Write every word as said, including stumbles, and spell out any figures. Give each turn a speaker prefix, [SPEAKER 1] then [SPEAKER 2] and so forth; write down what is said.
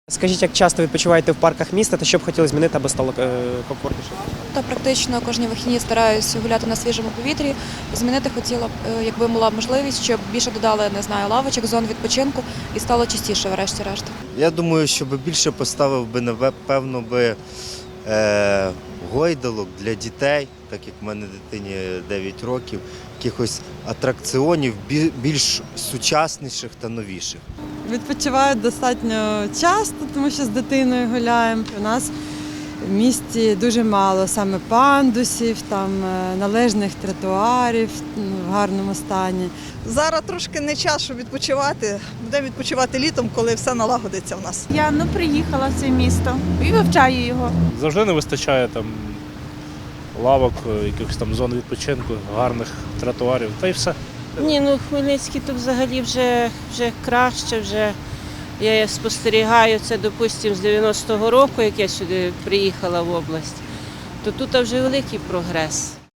[SPEAKER 1] Скажіть, як часто відпочиваєте в парках міста та що б хотіли змінити, аби стало е, комфортніше?
[SPEAKER 2] Та практично кожні вихідні стараюся гуляти на свіжому повітрі. Змінити хотіла б, е, якби була можливість, щоб більше додали, не знаю, лавочок, зон відпочинку і стало чистіше врешті-решт.
[SPEAKER 3] Я думаю, що би більше поставив би, напевно, би е, гойдалок для дітей, так як в мене дитині дев'ять років, якихось атракціонів бі- більш сучасніших та новіших.
[SPEAKER 4] Відпочиваю достатньо часто, тому що з дитиною гуляємо. У нас в місті дуже мало саме пандусів, там е, належних тротуарів ну, в гарному стані.
[SPEAKER 5] Зараз трошки не час, щоб відпочивати. Будемо відпочивати літом, коли все налагодиться в нас.
[SPEAKER 6] Я ну, приїхала в це місто і вивчаю його.
[SPEAKER 7] Завжди не вистачає там лавок, якихось там зон відпочинку, гарних тротуарів, та й все.
[SPEAKER 8] Ні, ну Хмельницький тут взагалі вже, вже краще, вже я спостерігаю це, допустимо, з дев'яностого року, як я сюди приїхала в область, то тут вже великий прогрес.